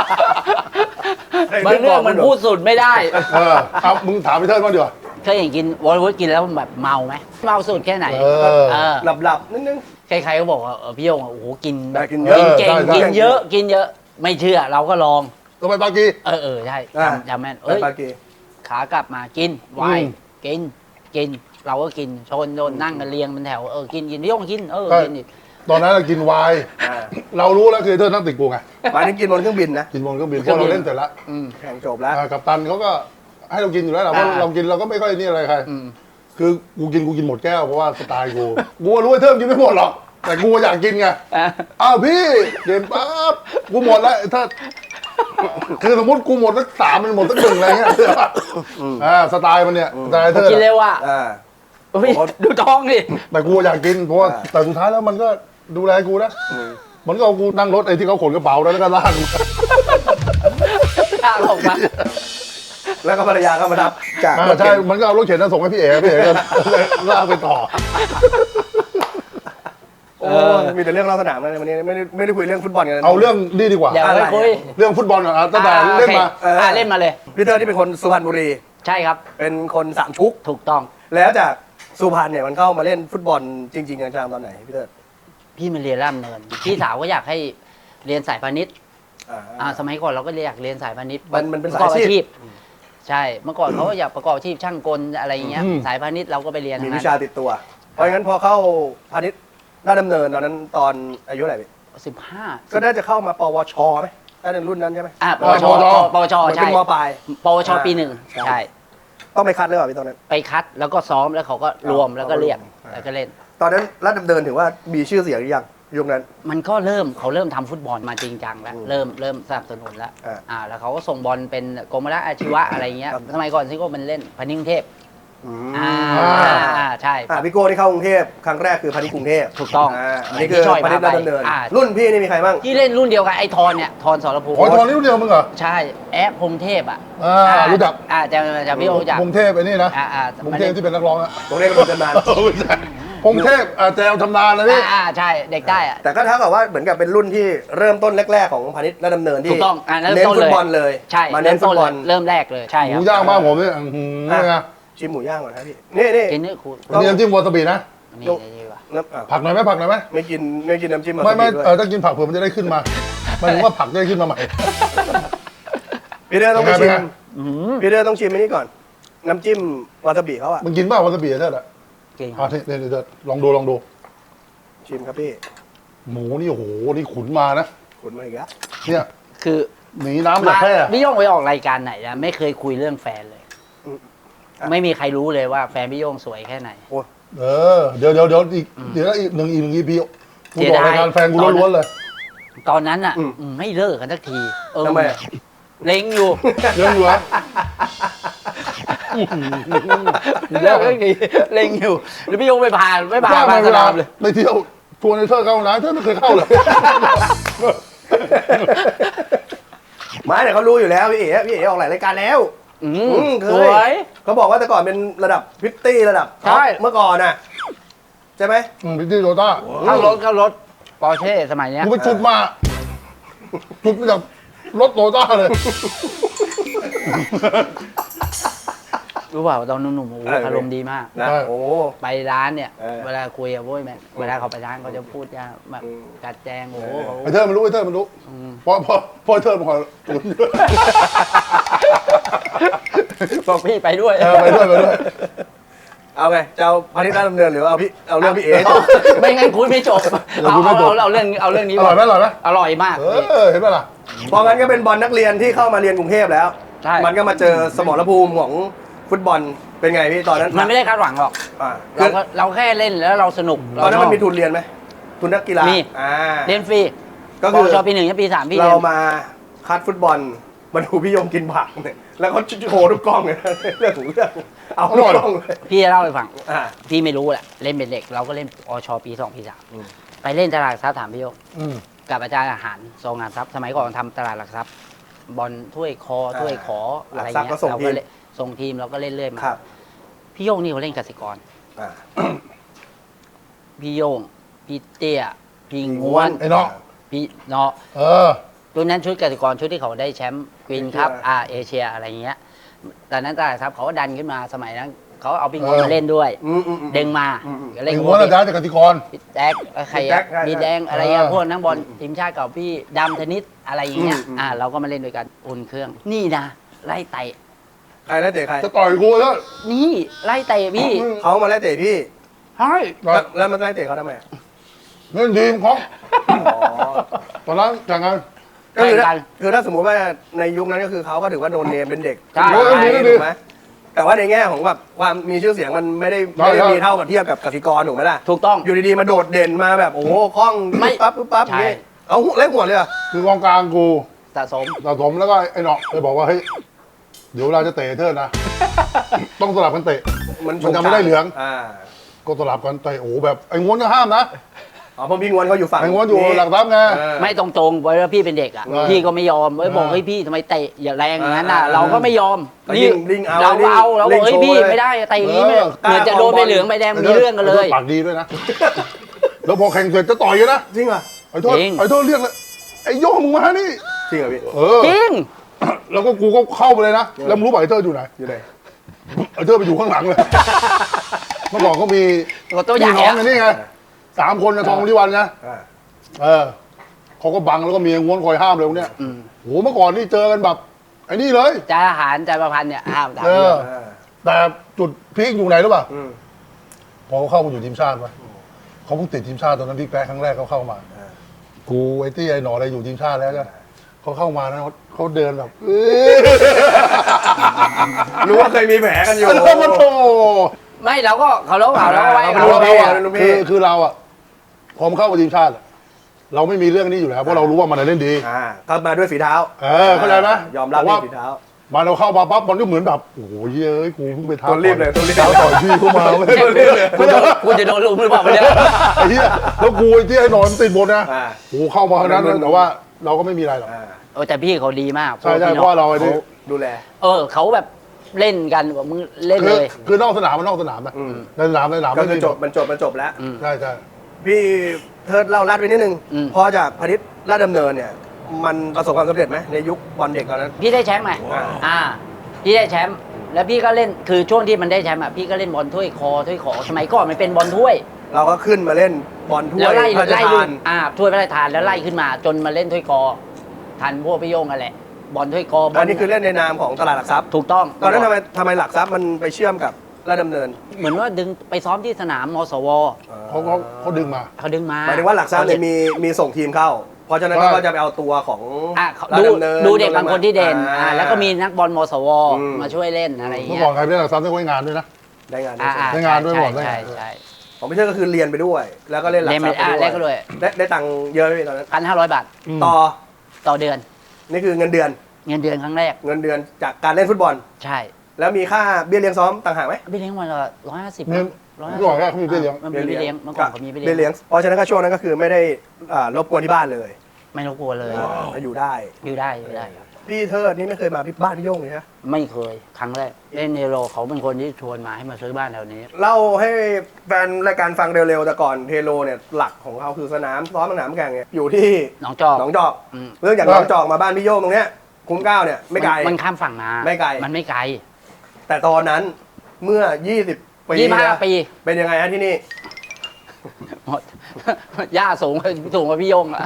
S2: บางเรื่องมันพูดสุดไม่ได้
S3: เอามึงถามไปเทิดบ้างดีกว่า
S2: เคยเห็นกินวอลวุฒกินแล้วแบบเมาไหมเมาสุดแค่ไหน
S1: หลับนิดนึง
S2: ใครๆก็บอกว่าพี่โยงโอ้โหกิน
S1: กินเยอะ
S2: เก่งกินเยอะไม่เชื่อเราก็ลอง
S3: ก็ไปปากี
S2: ใช่จำแม่น
S1: ปากี
S2: ขากลับมากินวายกินเราก็กินชนโดนนั่งกันเรียงเป็นแถวกินพี่โยงกินกินอีก
S3: ตอนนั้นเรากินไวน์เรารู้แล้วคือเทิดนั่งติดกูไง
S1: มาถึงกินบนเครื่องบินนะ
S3: กินบนเครื่องบินพอเราเล่นเสร็จแล้ว
S1: แข่งจบแล้ว
S3: กัปตันเขาก็ให้เรากินอยู่แล้วแหละเพราะเรากินเราก็ไม่ค่อยนี่อะไรใครคือกูกินหมดแก้วเพราะว่าสไตล์กูรู้ไอ้เทิมกินไม่หมดหรอกแต่กูอยากกินไงอ้าวพี่เกินปั๊บกูหมดแล้วถ้าคือสมมติกูหมดสัก3มันหมดสัก1อะไรเงี้ยสไตล์มันเนี่ยสไตล์เทิม
S2: กินเร็วอ่ะดูท้องดิ
S3: แต่กูอยากกินเพราะว่าแต่สุดท้ายแล้วมันก็ดูแลกูนะมันก็เอากูนั่งรถไอ้ที่เขาขนกระเป๋าแล้วก็ลาก
S2: ลากออกมา
S1: แล้วก็ภรรยาก็มารับจาก
S3: ใช่มันก็เอารถเข็นส่งให้พี่เอ๋ก็ลากไปต่อ
S1: โอ้มีแต่เรื่องเล่าสนามนะวันนี้ไม่ได้คุยเรื่องฟุตบอลกัน
S3: เอาเรื่องนี่ดีกว่า
S2: เดี๋ยวไปคุย
S3: เรื่องฟุตบอลก่อนตั้งแต่เล่นมา
S2: เล่นมาเลย
S1: พี่เตอร์ที่เป็นคนสุพรรณบุรี
S2: ใช่ครับ
S1: เป็นคนสามชุก
S2: ถูกต้อง
S1: แล้วจากสุพรรณเนี่ยมันเข้ามาเล่นฟุตบอลจริงๆจังๆตอนไหนพี่เตอร์
S2: พี่มาเรียนร่ำเนินพี่สาวก็อยากให้เรียนสายพาณิชย์สมัยก่อนเราก็อยากเรียนสายพาณิชย์
S1: มันเป็น
S2: ประกอบ
S1: สายอาชีพ
S2: ใช่เมื่อก่อนเขาอยากประกอบอาชีพช่างกลอะไรอย่างเงี้ยสายพาณิชย์เราก็ไปเรียน
S1: มีวิชาติดตัว เพราะงั้นพอเข้าพาณิชย์ราชดำเนินตอนนั้นตอนอายุเท่าไหร่พี่
S2: 15
S1: ก็น่าจะเข้ามาปวชไหมถ้าเป็นรุ่นนั้นใช่ไหม
S2: ปวชใช่
S1: เป็นมปลาย
S2: ปวชปี 1ใช่
S1: ต้องไปคัดเลยเหรอพี่ตอนนั้น
S2: ไปคัดแล้วก็ซ้อมแล้วเขาก็รวมแล้วก็เรียกแล้วก็เล่น
S1: ตอนนั้นราชดำเนินถือว่ามีชื่อเสียงหรือยังยุคนั้น
S2: มันก็เขาเริ่มทำฟุตบอลมาจริงจังแล้วเริ่มสนับสนุนแล้วแล้วเขาก็ส่งบอลเป็นกรมราชอาชีวะอะไรเงี้ยสมัยก่อนซิโก้มันเล่นพานิชย์กรุงเทพใช่
S1: พี่โก้ที่เข้ากรุงเทพครั้งแรกคือพาณิชย์กรุงเทพ
S2: ถูกต้อง
S1: อันนี้คือพาณิชย์ราชดำเนินรุ่นพี่นี่มีใครบ้าง
S2: ที่เล่นรุ่นเดียวกันไอ้ทอนเนี่ยทอนสรภูมิ
S3: อ๋อตอนนี้รุ่นเดียวมึงเหรอ
S2: ใช่แอปพงเทพ
S3: รู้จัก
S2: จะพี่โอรู้จัก
S3: พงเทพไอ้นี่นะพงเทพที่เป็นนักร้องอะ
S1: ตรงนี้ก็เป็นตำนาน
S3: พงเทพแจวชำนาญนะพี่
S2: ใช่เด็กได้อะ
S1: แต่ก็เท่ากับว่าเหมือนกับเป็นรุ่นที่เริ่มต้นแรกๆของพาณิชย์ราชดำเนินที่
S2: ถูกต้อง
S1: เน้นฟุตบอลเลย
S2: ใช่
S1: มาเน้นฟุตบอล
S2: เริ่มแรกเลยใช่
S3: ห
S2: ครับ
S3: มูย่างบ้านผมเนี่ยนี่ไง
S1: ชิมหมูย่างก่อนนะพี่นี่
S2: กินนี่คุณ
S3: นี่น้ำจิ้มวาซาบินะ
S2: นี่ว่ะ
S3: ผักหน่อยไหมผักหน่อยไหม
S1: ไม่กินน้ำจิ้ม
S3: ไม่ถ้ากินผักเผื่อมันจะได้ขึ้นมาหมายถึงว่าผักจะได้ขึ้นมาใหม่
S1: พี่เด้อต้องไป
S3: เป็น
S1: ชิ
S3: ไง
S1: มพี่เด้อต้องชิมอันนี้ก่อน น้ำจิ้มวาซาบิเขาอะ
S3: มึงกินบ้างวาซาบิเท่าไหร่
S2: จริง
S3: เนี่ยเดี๋ยวลองดู
S1: ชิมครับพี่
S3: หมูนี่โอ้โหนี่ขุนมานะ
S1: ขุนมาอีกแล้ว
S3: เนี่ย
S2: คือ
S3: หนีน้ำจากแค่
S2: พี่โย่งไปออกรายการไหนนะไม่เคยคุยเรื่องแฟนเลย ไม่มีใครรู้เลยว่าแฟนพี่โย่งสวยแค่ไหน
S3: เออเดี๋ยวอีกเดี๋ยวอีกหนึ่ง EP กูบอกรายการแฟนกูล้วนๆเลย
S2: ตอนนั้นอ่ะไม่เลิกกันสักทีเออ
S1: ทำไมอะ
S2: เล็งอยู่
S3: เรื่องอยู่วะ
S2: เลิกสักทีเล็งอยู่แล้วพี่โย่งไม่พา
S3: ว่า
S2: มา
S3: มา
S2: ส
S3: เวลาน
S2: ามเลย
S3: ไปเที่ยวชวนไอ้เธอเข้าห้องน้ำเธอไม่เคยเข้าเลย
S1: ไม่แต่เขารู้อยู่แล้วพี่เอ๋ออกหลายรายการแล้ว เค
S2: สวย
S1: เขาบอกว่าแต่ก่อนเป็นระดับพิตตี้ระดับ
S2: ใช่
S1: เมื่อก่อนน่ะใช่ไหม
S3: พี่ที่โตต้า
S2: เข้ารถปอร์เช่สมัยเนี้ย
S3: กูไปจุดมาจากรถโตต้าเลย
S2: รู้เปล่าตอนหนุ่มๆโอ้โหอารมณ์ดีมาก
S1: นะ
S3: ใช่
S1: โอ้
S2: ไปร้านเนี่ย
S1: เออ
S2: เวลาคุยกับโว้ยแม่เวลาเขาไปร้านเขาจะพูดยากแบบกัดแจงโอ้โหเขา
S3: ไอ้เธอมันรู้เพราะไอ้เธอมันคอยตุ๋น
S2: บอกพี่ไปด้วย
S3: ไปด้วย
S1: เอาไงจะเอาพานิชย์ราชดำเนินหรือเอาเรื่องพี่เอ๋จบ
S2: ไม่งั้นคุยไม่จบเอาเรื่องนี้
S3: อร่อยไหม
S2: อร่อยมาก
S3: เห็นไหมล่ะ
S1: เพราะงั้นก็เป็นบอลนักเรียนที่เข้ามาเรียนกรุงเทพแล้ว
S2: ใช่
S1: มันก็มาเจอสมรภูมิของฟุตบอลเป็นไงพี่ตอนนั้น
S2: มันไม่ได้คาดหวังหรอก
S1: อ่า
S2: เราแค่เล่นแล้วเราสนุก
S1: ตอนนั้นมันมี
S2: ทุน
S1: ทุนเรียนไหมทุนนักกีฬา
S2: มี
S1: อ่า
S2: เรียนฟรี
S1: ก็คือ
S2: ชอปีหนึ่งปีสามพี่
S1: เรา
S2: เรียน
S1: มาคัดฟุตบอลมาดูพี่ยมกินผักเนี่ยแล้วเขาโชว์ทุกกล้องเลยเรื่องของเรื่องเอาทุกกล้องเลย
S2: พี่จะเล่าให้ฟัง
S1: อ่า
S2: พี่ไม่รู้แหละเล่นเป็นเด็กเราก็เล่นอชปีสองปีสามไปเล่นตลาดหลักทรัพย์ถามพี่โยก กับอาจารย์อาหารทรงงานทรัพย์สมัยก่อนทำตลาดหลักทรัพย์บอลถ้วยคอถ้วยขออะไรเงี้ยเราก็เล่นส่งทีมเราก็เล่นเรื่อยมา
S1: ครับ
S2: พี่โยงนี่เขาเล่นกสิกร
S1: อ่า
S2: พี่โยงพี่เตี้ยพี่ง้วน
S3: ไอ้น้อง
S2: พี่เนาะ
S3: เออ
S2: ตัวนั้นชุดกสิกรชุดที่เขาได้แชมป์กรีนครับเอเชียอะไรเงี้ยตอนนั้นตลาดหลักทรัพย์เขาก็ดันขึ้นมาสมัยนั้นเขาเอาพี่ง้วนมาเล่นด้วยดึงมาก็
S3: ไอ้
S2: เล่น
S3: หัวอาจารย์จากกติกร
S2: พี่แจ็คใครอะมีแดงอะไรอะพวกนักบอลทีมชาติเก่าพี่ดำธนิตอะไรอย่างเงี้ยเราก็มาเล่นด้วยกันอุ่นเครื่อง นี่นะไล่เตะ
S1: ใครไล่เตะใคร
S3: จะต่อยกูแล้ว
S2: นี่ไล่เตะพี่
S1: เขามาไล่เตะพี่
S2: เฮ้ย
S1: แล้วมันไล่เตะเขาทำไม
S3: เล่นทีมของตอนนั้นจากงาน
S1: ก็คือ
S2: แข่งกัน
S1: คือถ้าสมมติว่าในยุคนั้นก็คือเขาก็ถือว่าโดนเนมเป็นเด็ก
S2: ใช่
S1: ถูกไหมแต่ว่าในแง่ของแบบความมีชื่อเสียงมันไม่ได้มีเท่ากับเทียบกับกสิกรถูกไหมล่ะ
S2: ถูกต้อง
S1: อยู่ดีๆมาโดดเด่นมาแบบโอ้โหคล่อง
S2: ไม่
S1: ปั๊บปั๊บอย่างนี้เอาเล่นหัวเลยเหรอ
S3: คือกองกลางกู
S2: สะสม
S3: สะสมแล้วก็ไอ้หนอกเลยบอกว่าเฮ้ยเดี๋ยวเราจะเตะเธอนะ ต้องสลับกันเตะ มันจะไม่ได้เหลือง
S1: อ่า
S3: ก็สลับกันเตะโอ้โหแบบไอ้ง้วนก็ห้ามนะ
S1: อ๋อเพราะพี่งวนเขาอยู่ฝั่ง
S3: ไอ้ง้วนอยู่หลักทรัพย์ไง
S2: ไม่ตรงๆไว้ว่าพี่เป็นเด็กอ่ะ
S3: ใช่
S2: พี่ก็ไม่ยอมไว้บอกเฮ้ยพี่ทำไมเตะอย่าแรงอย่างนั้นน่ะเราก็ไม่ยอม
S1: ลิงเอา
S2: เราบอกเฮ้ยพี่ไม่ได้เตะอย่างนี้ไม่เหมือนจะโดนใบเหลืองใบแดงมีเรื่องกันเลย
S3: ปากดีด้วยนะ แล้วพอแข่งเสร็จจะต่อยกันนะ
S1: จริงเหรอ
S3: ไอ้โทษ
S2: จริง
S3: ไอ้โทษเรียกเลยไอ้โย่งมึงมานี่
S1: จริงเหรอพี่
S3: เออ
S2: จริง
S3: แล้วก็กูก็เข้าไปเลยนะ แล้วมึงรู้ป่ะไอ้เธออยู่ไหน
S1: อยู่ไหน
S3: ไอ้เธอไปอยู่ข้างหลังเลย เมื่อก่อนเขามี
S2: ก็ตัวใหญ่
S3: พี่น้อง
S2: อะ
S3: ไงนี่ไง3 คนนะทองริวันนะ
S1: อ่า
S3: เออเขาก็บังแล้วก็มีง้วนคอยห้ามเลยพวกเนี้ยโหเมื่อก่อนนี่เจอกันแบบไอ้นี่เลย
S2: จ่าอาหารจ่าประพันธ์เนี่ยห้ามถาม
S3: เออ
S1: อ่า
S3: แต่จุดพีคอยู่ไหนรู้ป่ะ
S1: อืม
S3: พอเขาเข้ามาอยู่ทีมชาติวะเขาเพิ่งติดทีมชาติตอนนั้นพี่แป๊ะครั้งแรกเขาเข้ามา กูไอ้ตี้ไอ้หนออะไรอยู่ทีมชาติแล้วนะเขาเข้ามานะเขาเดินแบบ
S1: รู้ว่าเคยมีแผลกันอยู่
S3: แล้วมันโต
S2: ไม่เราก็เขาเราก็ไว้
S1: เรา
S3: คือ
S1: ป็น
S3: เราอะ
S1: เป็นลูกพี่
S3: คือเราอะพอมาเข้ามาทีมชาติอะเราไม่มีเรื่องนี้อยู่แล้วเพราะเรารู้ว่ามันเล่นดี
S1: เข้ามาด้วยฝีเท้า
S3: เข้าใจไหม
S1: ยอมรับ
S3: แต่ว่า
S1: ด้วยฝีเท้า
S3: มาเราเข้ามาปั๊บมันก็เหมือนแบบโอ้โหเย้ยกูเพิ่งไปท้า
S1: ตัวรีบเลยตัวรีบ
S3: ท้าต่อยพี่เข้ามาเว้ย
S2: กูจะโดนลุมหรือเปล่าเนี่ย
S3: ไอ้เหี้ยแล้วกูไอ้ที่ไอ้หนอนติดบนนะ
S1: อ่า
S3: โอ้โหเข้ามาขนาดนั้นเลยแต่ว่าเราก็ไม่มีอะไรหรอก
S2: แต่พี่เขาดีมาก
S3: ใช่ใช่เพราะว่าเราไอ้นี่
S1: ดูแล
S2: เขาแบบเล่นกันมึงเล่นเลย
S3: คือนอกสนามมันนอกสนามนะในสนาม
S1: ก็คือ
S3: ไม่มี
S1: มันจบแล้ว
S3: ใช่ใช่
S1: พี่เทิดเล่าลัดไปนิดนึง พอจากพาณิชย์ราชดำเนินเนี่ย มันประสบความสำเร็จไหมในยุคบอลเด็กตอนนั้น
S2: พี่ได้แชมป์ไหมพี่ได้แชมป์แล้วพี่ก็เล่นคือช่วงที่มันได้แชมป์อ่ะพี่ก็เล่นบอลถ้วยคอถ้วยขอสมัยก่อนมันเป็นบอลถ้วย
S1: เราก็ขึ้นมาเล่นบอลถ้ว
S2: แล้ว
S1: ยพระราช
S2: ไล่
S1: ทาน
S2: ถ้วยพระราชทานแล้วไล่ขึ้นมาจนมาเล่นถ้วยคอทันพวกพี่โยงกันแหละบอลถ้วยกอบอ
S1: อั
S2: ล
S1: นนี้คือเล่นในนามของตลาดหลักทรัพย์
S2: ถูกต้อง
S1: ตอนนั้นทำไมหลักทรัพย์มันไปเชื่อมกับราชดำเนิน
S2: เหมือนว่าดึงไปซ้อมที่สนามมสว
S3: เขาดึงมา
S2: เขาดึงมา
S1: หมายถึงว่าหลักทรัพย์เนี่ยมีส่งทีมเข้า เพราะฉะนั้น
S3: ใช่
S1: ก็จะไปเอาตัวของ
S2: ดู
S1: ราชดำเนิน
S2: ดูเด็กบางคนที่เด่น แล้วก็มีนักบอลมสว
S1: อืม
S2: มาช่วยเล่นอะไรอย่าง
S3: เมื่อ
S2: เงี้ย
S3: ก่อนใครไปเล่นหลักทรัพย์ได้งานด้วยนะ
S1: ได้งาน
S2: อ่า
S3: ได้งานด้วย
S2: ใช่
S3: บอกได้
S2: ใช่
S3: งาน
S2: ใช่
S1: ของพี่เชิดก็คือเรียนไปด้วย แล้วก็เล่นหลักทรัพย์
S2: เล่นก็ด้วย
S1: ได้ตังค์เยอะไหมพี่ตอนนั้น
S2: 1,500 บาท
S1: ต่อ
S2: ต่อเดือน
S1: นี่คือเงินเดือน
S2: เงินเดือนครั้งแรก
S1: เงินเดือนจากการเล่นฟุตบอล
S2: ใช่
S1: แล้วมีค่าเบี้ยเลี้ยงซ้อมต่างหากไหม
S2: พี่เลี้ยงวันละ150
S3: เมื่อ
S2: 150
S3: เมื่อก่อนเขามีเบี้ยเลี้ยง
S2: มันมีเบี้ยเลี้ยงเมื่อก่อนเขามีเบี้ย
S1: เบี้ย
S2: เลี้
S1: เลี้
S2: ย
S1: ย
S2: ง
S1: งเพราะฉะนั้นก็ช่วงนั้นก็คือไม่ได้รบกวนที่บ้านเลย
S2: ไม่รบกวนเลย
S1: แล้วอยู่ได้
S2: อยู่ได้อยู่ได้ครับ
S1: พี่เทิดนี่ไม่เคยมาพี่บ้านพี่โย่งเลยนะ
S2: ไม่เคยครั้งแรกเล่นเนโรเขาเป็นคนที่ชวนมาให้มาซื้อบ้านแถวนี้
S1: เล่าให้แฟนรายการฟังเร็วๆแต่ก่อนเทโลเนี่ยหลักของเขาคือสนามซ้อมสนามแข่งเนี่ยอยู่ที่
S2: หนองจอก
S1: หนองจอก
S2: อืม
S1: เรื่องจากหนองจอกมาบ้านพี่โย่งตรงเนี้ยคุ้มเกล้าเนี่ยไม่ไกล
S2: มันข้ามฝั่งมา
S1: ไม่ไกล
S2: มันไม่ไกล
S1: แต่ตอนนั้นเมื่อ 20 ปี
S2: 25 ปี
S1: เป็นยังไงฮะที่นี่
S2: หมด ย่าสูงกว่าพี่โยงอะ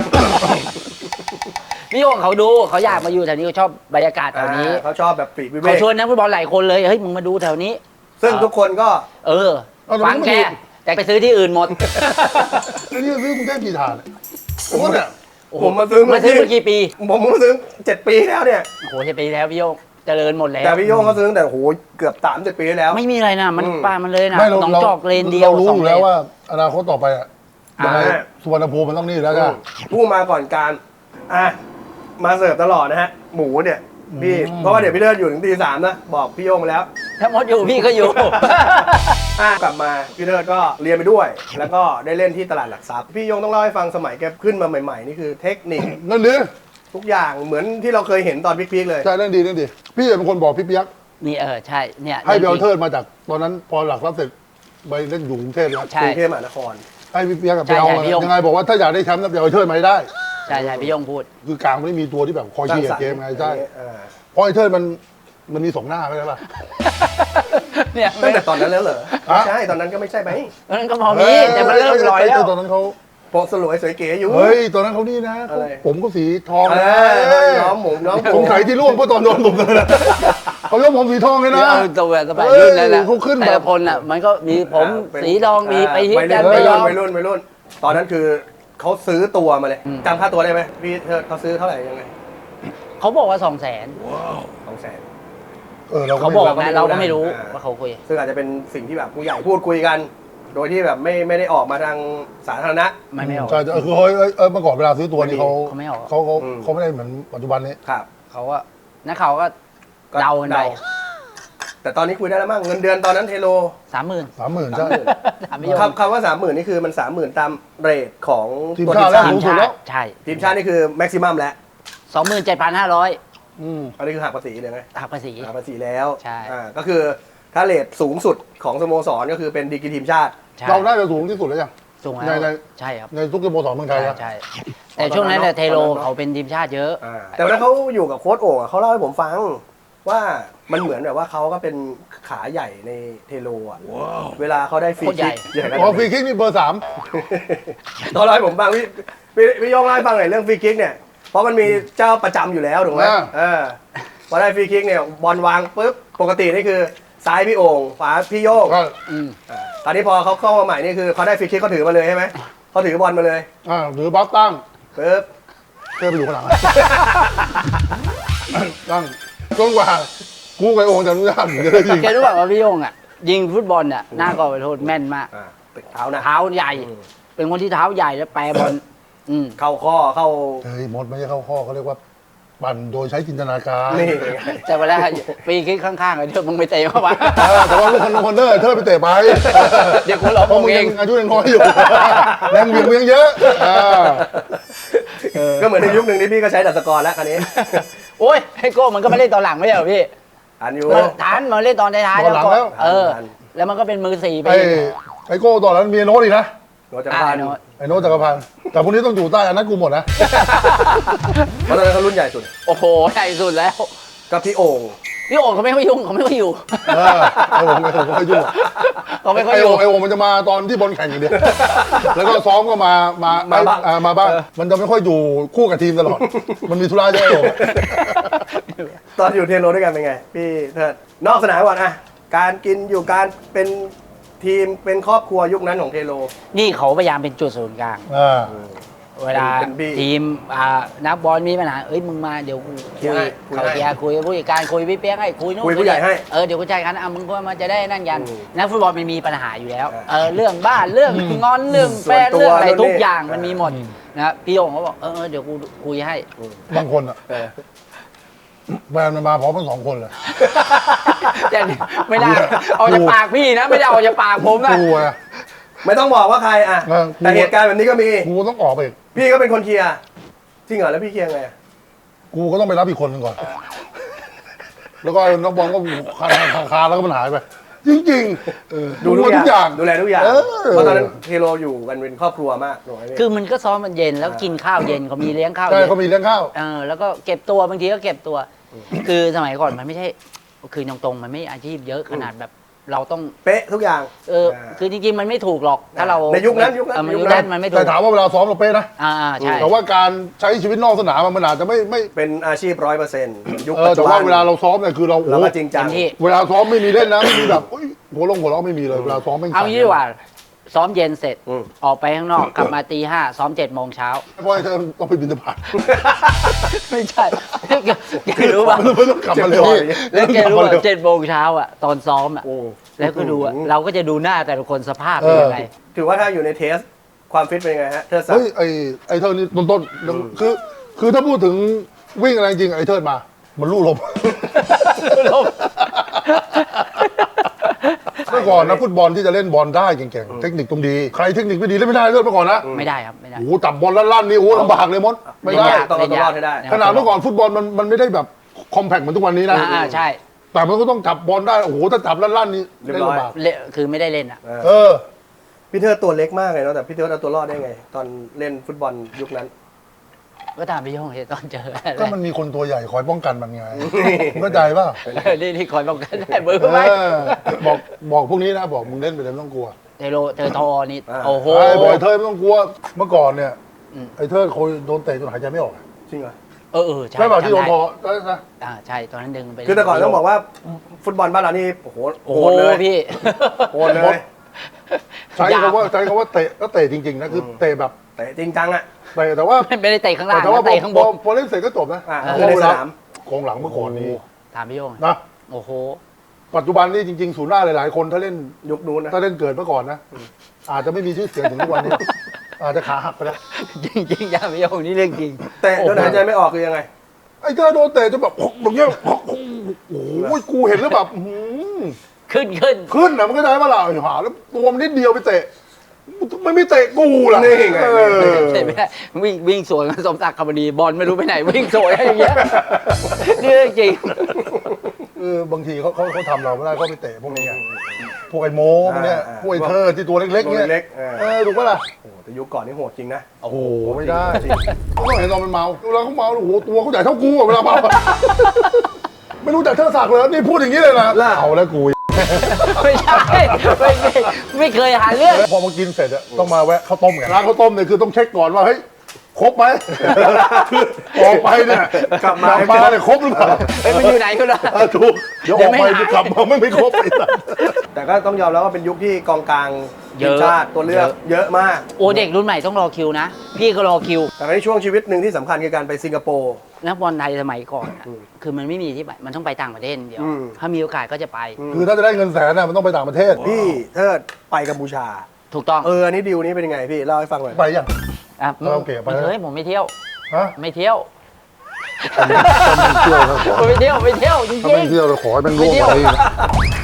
S2: พี่โยงเขาดูเขาอยากมาอยู่แถวนี้เขาชอบบรรยากาศแถวนี้
S1: เขาชอบแบบปลีกวิเว
S2: เขา
S1: ก
S2: ชวนนักฟุตบอลหลายคนเลยเฮ้ยมึงมาดูแถวนี้
S1: ซึ่งทุกคนก็
S2: เออ
S3: เอาแต่
S2: ฟัง
S3: มัน
S2: แก
S3: ไม่ดี
S2: แต่ไปซื้อที่อื่นหมด
S3: ไอ้นี่ซื้อกรุงเทพกี่ถาดผมว่าเนี่ย
S1: ผมมาซื้อ
S2: มาซื้อมากี่ปี
S1: ผมมาซื้อ7 ปีแล้วเนี่ย
S2: โอ้โหจะปีแล้วพี่โยงเจริญหมดแล้ว
S1: แต่พี่โย่งเขาซื้อตั้งแต่โหเกือบ30 ปีแล้ว
S2: ไม่มีอะไรนะมัน
S1: อืม
S2: ป่ามันเลยนะ
S3: ไม่
S2: หนองจอกเลนเดียว
S3: เรารู้
S2: สอ
S3: อง ยู่
S2: เล
S3: แล้ว
S2: น
S3: ว่าอนาคตต่อไปอะยังไง
S1: อ่า
S3: สุวรรณภูมิมันต้องนี่แล้วจ้ะ
S1: ผู้มาก่อนการอ่ะมาเสิร์ฟตลอดนะฮะ หมูเนี่ยพี่
S3: อืม
S1: เพราะว่าเดี๋ยวพี่เลิศอยู่ถึงตี 3นะบอกพี่โย่งไปแล้ว
S2: ถ้ามดอยู่พี่ก็อยู่
S1: กลับมาพี่เลิศก็เรียนไปด้วย แล้วก็ได้เล่นที่ตลาดหลักทรัพย์พี่โย่งต้องเล่าให้ฟังสมัยแกขึ้นมาใหม่ๆนี่คือเทคนิค
S3: นั่นดิ
S1: ทุกอย่างเหมือนที่เราเคยเห็นตอนพีคๆเลย
S3: ใช่นั่นดีพี่เป็นคนบอกพี่เปียก
S2: นี่ใช่เนี่ย
S3: ให้เบลเทิร์นมาจากตอนนั้นพอหลักทรัพย์เสร็จไปเล่นอยู่กรุงเทพแล้ว
S2: ใช่
S1: กรุงเทพมหานคร
S3: ให้พี่เปียกกับ
S2: ใช่
S3: ไปเอา
S2: ใช่พี่ยง
S3: ยังไงบอกว่าถ้าอยากได้แชมป์นะเบลเทิร์นมาให้ได้
S2: ใช่พี่โยงพูด
S3: คือกลางไม่มีตัวที่แบบคอยเชียร์เกมไงใช่
S1: อ่า
S3: เพราะไอ้เทิร์นมันมีสองหน้าใช่ปะ
S2: เนี่ย
S1: ตั้งแต่ตอนนั้นแล้วเหรอ
S3: ฮะ
S1: ใช่ตอนนั้นก็ไม่ใช่ไหม
S2: มันก็พอมีแต่มันเริ่มลอยแล้ว
S3: ตอนนั้นเขา
S1: โปะสลวยสวยเก๋อยู่
S3: เฮ้ยตอนนั้นเขานี่นะ
S1: อะไร
S3: ผมก็สีทอง
S1: เอ
S3: นะ
S1: อน้องหมูน้องหมู
S3: สงสัยที่ร่วงเพราะตอนโดนผมเลยนะเขายกผมสีทองเลยนะ
S2: ตัวสบายรุ่นนั่นแหละ
S3: เขาขึ้นแบบ
S2: แต่ละคนอ่ะมันก็มีผมสีทองมีไปฮิต
S1: วัย
S2: กัน
S1: รุ่น
S2: ไปยอม
S1: วัยรุ่น ตอนนั้นคือเขาซื้อตัวมาเลย
S2: อืม
S1: จำค่าตัวได้ไหมพี่เธอเขาซื้อเท่าไหร่ยังไง
S2: เขาบอกว่า200,000
S1: 200,000
S3: เราก็
S2: เขา
S3: ไม่
S2: บอก
S1: เราก็ไม่
S2: นะเราก็ไม่
S1: รู้
S2: รู้
S1: นะ
S2: ว่าเขาคุย
S1: ซึ่งอาจจะเป็นสิ่งที่แบบผู้ใหญ่พูดคุยกัน โดยที่แบบไม่ได้ออกมาทางสาธารณะ
S2: ไม่ออก
S3: ใช่คือเมื่อก่อนเวลาซื้อตัวนี่เขา
S2: เขาไม่ออก
S3: เขาไม่ได้เหมือนปัจจุบันนี้
S1: ครับ
S2: เขาก็นักข่าวก็เดากันไป
S1: แต่ตอนนี้คุยได้แล้วมั้งเงินเดือนตอนนั้นเทโล
S2: 30,000
S3: 30,000ใช่
S2: ถามพี่โยง
S1: คำว่า 30,000นี่คือมัน 30,000 ตามเรทของ
S3: ทีม
S1: ตัว
S3: ชาติแล้ว
S1: ที
S3: สู
S1: ม
S3: งสุดแล้ว
S2: ใช่
S1: ทีมชาตินี่คือแม็กซิมัมแล้ว
S2: 27,500
S3: อืม
S1: อันนี้คือหักภาษีเลยไหม
S2: หักภาษี
S1: หักภาษีแล้ว
S2: ใช่
S1: ก็คือถ้าเรทสูงสุดของสโมสรก็คือเป็นดีกรีทีมชาติ
S2: ใช่
S3: เราได้จะสูงที่สุดแล้วยัง
S2: สูง
S3: ใน
S2: แล้วใช่ครับ
S3: ในทุกสโมสรเมืองไท
S2: ใช่
S3: ยแล้ว
S2: ใช่แต่ช่วงนั้นเนี่ยเทโลเขาเป็นทีมชาติเยอะ
S1: แต่วันนั้นเขาอยู่กับโค้ชโอ่งอะเขาเล่าให้ผมฟังว่ามันเหมือนแบบว่าเขาก็เป็นขาใหญ่ในเทโลอ่ะเวลาเขาได้ฟรี
S2: โคตรใหญ่
S1: คิกใหญ่ขนาด
S3: พอ
S1: นั้น
S3: ฟรีคิกนี่เบอร์
S1: เขาเล่าให้ผมฟังพี่โยงเล่าให้ฟังหน่อยเรื่องฟรีคิกเนี่ยเพราะมันมีเจ้าประจำอยู่แล้วถูกไหมพอได้ฟรีคิกเนี่ยบอลวางปุ๊บปกตินี่คือซ้ายพี่โอ่งขวาพี่โยง
S3: 3ก็
S2: อืม
S1: ตอนนี้พอเขาเข้ามาใหม่นี่คือเขาได้ฟรีคิกเขาถือมาเลยใช่ไหมเขาถือบอลมาเลย
S3: หรือบล็อกตั้ง
S1: ปุ๊บ
S3: เพื่อไปอยู่ข้างหลังตั้งจนกว่ากูกับไอ้โองจะอนุญาตถึงจะได้ยิง
S2: แกรู้ป่ะว่าพี่โยงอ่ะยิงฟุตบอลเนี่ยหน้ากรอบไปโทษแม่นมาก
S1: ติดเท้านะ
S2: เท้าใหญ่ เป็นคนที่เท้าใหญ่แล้วแปรบอลอืม
S1: เข้าข้อเข้า
S3: เฮ้ยมดไม่ใช่เข้าข้อเขาเรียกว่าปั่นโดยใช้จินตนาการ
S1: นี่
S2: แต่เวลาฟรีคิกข้างๆไอ้เธอมึงไปเตะเข้ามา
S3: แต่ว่าลูกคนเนอร์เธอไปเตะไป
S2: เดี๋ยวกูหลอก
S3: เพราะมึง
S2: เอ
S3: ยัง งอายุยังน้อยอยู่แรงเหวี่ยงมึงยังเยอะ
S1: ก็เหมือนในยุคหนึ่งที่พี่ก็ใช้ดัชกรแล้วคันนี้
S2: โอ้ยไอ้โก้มันก็ไม่เล่นตอนหลังไม่ใช่เหรอพี่
S1: อันอยู่
S2: มันทันมันเล่นตอนท้ายๆ
S3: ตอนหลังแล้ว
S2: เออ แล้วมันก็เป็นมือ4ไป
S3: ไอ้โก้ตอนนั้นมีโน้ตอีกนะ
S1: โนจักรพันธ์
S2: โน้ต
S3: ไอ้โน้ตจักรพันธ์แต่พวกนี้ต้องอยู่ใต้อันนั้นกูหมดนะ
S1: เพราะตอนนั้นเขารุ่นใหญ่สุด
S2: โอ้โหใหญ่สุดแล้ว
S1: ก็พี่โอ่ง
S2: พี่โอ่งเขาไม่ค่อยยุ่งเขาไม่ค่อยอยู่
S3: ไอ้วงไม่ค่อยยุ่ง
S2: เขาไม่ค่อยอยู่
S3: ไอ้วงมันจะมาตอนที่บอลแข่งอย่างเดียวแล้วก็ซ้อมก็มาบ้างมันจะไม่ค่อยอยู่คู่กับทีมตลอดมันมีธุระเยอะไอ้วง
S1: ตอนอยู่เทโรด้วยกันเป็นไง พี่เทิดนอกสนามก่อนอะการกินอยู่การเป็นทีมเป็นครอบครัวยุคนั้นของเทโร
S2: นี่เขาพยายามเป็นจุดศูนย์กลาง เวลา
S1: เป็นพี่
S2: ทีมนักบอลมีปัญหาเอ้ยมึงมาเดี๋ยวกู
S1: เคลียร์ให้คุย
S2: เขา
S1: ให้
S2: เคลียร์คุยกับผู้จัดการคุยพี่เปี๊ยกให้คุยนู่น
S1: คุยผู้ใหญ่ให้
S2: เดี๋ยวกูจ่ายกันมึงก็มาจะได้นั่นกัน
S1: อืม
S2: นักฟุตบอลมันมีปัญหาอยู่แล้ว
S1: อ่า
S2: เรื่องบ้านเรื่องงอนเรื่องแฟน
S1: ส่วนตัว
S2: เรื่องอะไร
S1: เรื่องนี้
S2: ทุกอย่างมันมีหมดนะครับพี่โยงเขาบอกเดี๋ยวกูคุยให้
S3: บางคนอ่ะ
S1: เออ
S3: แฟนมันมาพร้อมทั้งสองคนเลย
S2: แต่ไม่ได้เอาจากปากพี่นะไม่ได้เอาจากปากผมนะ
S3: กูอะ
S1: ไม่ต้องบอกว่าใครอะ
S3: เออ
S1: แต่เหตุการณ์แบบนี้ก็มี
S3: กูต้องออกไปอีก
S1: พี่ก็เป็นคนเคลียร์จริงเหรอแล้วพี่เคลียร์ไงอะ
S3: กูก็ต้องไปรับอีกคนหนึงก่อน แล้วก็นักบอลก็คาแล้วก็มันหายไป จริงๆ
S1: ดูทุกอย่างดูแลทุกอย่าง
S3: เออ
S1: เพราะตอนนั้นเทโรอยู่กันเป็นครอบครัวมากถูกไหมพี่
S2: คือมันก็ซ้อมมันเย็นแล้วกินข้าวเย็นเขามีเลี้ยงข้าว
S3: ใช่
S2: เย็น
S3: เขามีเลี้ยงข้าว
S2: แล้วก็เก็บตัวบางทีก็เก็บตัว คือสมัยก่อนมันไม่ใช่คือตรงๆมันไม่อาชีพเยอะขนาดแบบเราต้อง
S1: เป๊ะทุกอย่าง
S2: คือจริงๆมันไม่ถูกหรอกถ้าเรา
S1: ในยุคนั้นยุคนั้น
S2: มันยุคนั้นมันไม่ถู
S3: แต่
S2: ก
S3: ถามว่าเวลาซ้อมเราเป๊ะนะ
S2: ใช่
S3: แต่ว่าการใช้ชีวิตนอกสนามมันอาจจะไม่
S1: เป็นอาชีพ100%ยุคปัจจุ
S3: แต่
S1: บั
S3: ว่าน เวลาเราซ้อมเนี่ยคือเรา
S1: เรา
S3: โอ้
S1: ก็จริงจัง
S2: เต็มที่
S3: เวลาซ้อมไม่มีเล่นนะไม่มีแบบโอ้ยหัวลงหัวเราะไม่มีเลยเวลาซ้อมไม่
S2: เอางี้ดีกว่าซ้อมเย็นเสร็จ
S1: อืม
S2: ออกไปข้างนอกกลับมาตี 5ซ้อม7 โมงเช้า
S3: เพราะไอ้เธอต้องไปบินทบาท
S2: ไม่ใช่แกรู้ป่ะ
S3: ไม่ต้องกลับมาเร็ว
S2: แล้วแกรู้ว่า7 โมงเช้าตอนซ้อม
S1: โอ้
S2: แล้วก็ดูเราก็จะดูหน้าแต่ละคนสภาพ
S3: เอ
S2: เป็น
S3: อ
S2: ยังไง
S1: ถือว่าถ้าอยู่ในเทสความฟิตเป็นยังไงฮะเธอสัก
S3: เฮ้ยไอ้เธอนี่ต้นคือถ้าพูดถึงวิ่งอะไรจริงไอ้เทิดมา มันลู่ลม เมื่อก่อนนะฟุตบอลที่จะเล่นบอลได้เก่งๆเทคนิคต้องดีใครเทคนิคไม่ดีเล่นไม่ได้เลยเมื่อก่อนนะ
S2: ไม่ได้ครับไม่ได้
S3: โอ้โหจับบอลลั่นๆนี่โอ้โหลำบากเลยมดไม่ได้
S1: ต้องเอาตัวรอดให้ได้
S3: ขนาดเมื่อก่อนฟุตบอลมันไม่ได้แบบคอมแพคเหมือนทุกวันนี้นะ
S2: ใช่
S3: แต่มันก็ต้องจับบอลได้โอ้โหถ้าจับลั่นๆนี่
S1: เรียบ
S3: เล่น
S1: ร้อย
S3: ลำบาก
S2: คือไม่ได้เล่นอ่ะ
S3: เออ
S1: พี่เธอตัวเล็กมากเลยเนาะแต่พี่เธอเอาตัวรอดได้ไง ตอนเล่นฟุตบอลยุคนั้น
S2: ก็ตามพี่โยงเห็นตอนเจอ
S3: ก็มันมีคนตัวใหญ่คอยป้องกันมันไงเข้าใจป่ะ
S2: นี่คอยป้องกันได้มือไหม
S3: บอกพวกนี้นะบอกมึงเล่นไปเลยไม่ต้องกลัว
S2: เทอทอนี่โอ้โห
S3: ไอ้บอยเทิดไม่ต้องกลัวเมื่อก่อนเนี่ย
S2: อืม
S3: ไอ้เทิดโคยโดนเตะจนหายใจไม่ออก
S1: จริงเหรอ
S2: ใช่
S3: ใช่ป่ะที่โดน
S2: จำ
S3: ค
S2: ได้
S3: อใช่ไหม
S2: ใช่ตอนนั้นดึงไป
S1: คือแต่ก่อนต้องบอกว่าฟุตบอลบ้านเรานี่โอ้โห
S2: โอ้
S1: โห
S2: โห
S1: ดเลย
S2: พี่
S1: โหดเลย
S3: ใช้คำว่าเตะก็เตะจริงๆนะคือเตะแบบ
S1: แต่จริงจังอ่ะ
S3: เตะแต่ว่า
S2: ไม่ได้เตะข้างล่าง
S3: แต่ว่า
S2: นะเตะข้างบน
S3: พอเล่นเสร็จก็จบนะ
S1: อ่า
S3: เพ
S1: คือใน
S3: ราะเว
S1: ส
S3: ลา
S1: นาม
S3: กองหลังเมื่อก่อนนี้
S2: ถามพี่โยง
S3: นะ
S2: โอ้โห
S3: ปัจจุบันนี่จริงๆศูนย์หน้าหลายๆคนถ้าเล่น
S1: ยุคนู้นนะ
S3: ถ้าเล่นเกิดเมื่อก่อนนะอาจจะไม่มีชื่อเสียงถึงทุกวันนี้อาจจะขาหักไปแล้ว
S2: จริงๆอย่าพี่โยงนี่เรื่องจริง
S1: แต่จนหายใจไม่ออกคือยังไง
S3: ไอ้เจ้าโดนเตะจนแบบอย่างเงี้ยโอ้โหกูเห็นแล้วแบบอื้อหือ
S2: ขึ้น
S3: ขึ้นนะมันก็ได้มาละไอ้หาแล้วตัวมันนิดเดียวไปเตะมันไม่เตะกูล่ะ
S1: นี่ไง
S3: เออ
S2: เตะไม่ได้วิ่งสวนกับสมศักดิ์คำดีบอลไม่รู้ไปไหนวิ่งสวนอะไรอย่างเงี้ยนี่เรื่องจริง
S3: บางทีเขาทำเราไม่ได้เขาไปเตะพวกนี้ไงพวกไอ้โม้พวกเนี้ยพวกไอ้เธอที่ตัวเล็กๆ
S1: ตัว
S3: เนี่ย
S1: เล็กๆ
S3: ถูกปะล่ะ
S1: โอ้โหแต่ยุคก่อนนี่โหดจริงนะ
S3: โอ้โหไม่ได้เขาต้องเห็นตอนมันเมาเวลาเขาเมาโอ้โหตัวเขาใหญ่เท่ากูอะเวลาเมาอะไม่รู้จักเธอศักดิ์เลยนี่พูดอย่างนี้เลยนะเอาแล้วกู
S2: ไม่ใช่ไม่เคยหาเรื่อง
S3: พอมากินเสร็จอะต้องมาแวะข้าวต้มไงร้านข้าวต้มเนี่ยคือต้องเช็คก่อนว่าเฮ้ยครบไหมออกไปเนี่ยกลับมาเนี่ยครบหรือเปล่า
S2: มันอยู่ไหนก็ได้
S3: ถูกเดี๋ยวออกไปจะกลับมาไม่ครบอีก
S1: แต่ก็ต้องยอมรับว่าเป็นยุคที่กองกลาง
S2: เย
S1: ทีม
S2: อะ
S1: ชาติตัวเลือกเยอะมาก
S2: โอ้เด็กรุ่นใหม่ต้องรอคิวนะ พี่ก็รอคิว
S1: แต่ในช่วงชีวิตหนึ่งที่สำคัญคือการไปสิงคโปร์
S2: นักบอลไทยสมัยก่อนอะคือมันไม่มีที่ไปมันต้องไปต่างประเทศเดียว
S1: อืม
S2: ถ้ามีโอกาสก็จะไป
S3: คือถ้าจะได้เงินแสนน่ะมันต้องไปต่างประเทศ
S1: พี่เทิดไปกัมพูชา
S2: ถูกต้อง
S1: อันนี้ดีลนี้เป็นยังไงพี่เล่าให้ฟังหน่อย
S3: ไปยัง
S2: อ่ะ
S3: คาราโอเกะไป
S2: ไม่
S3: แล้ว
S2: เคยผมไม่เที่ยว
S3: ฮะ
S2: ไม่เที่ยว
S3: ถ้าไม่เที่ยวนะขอ
S2: ไม่เที่ยวจริง
S3: ถ้าไม่เที่ยวเราขอให้มันร่วงไป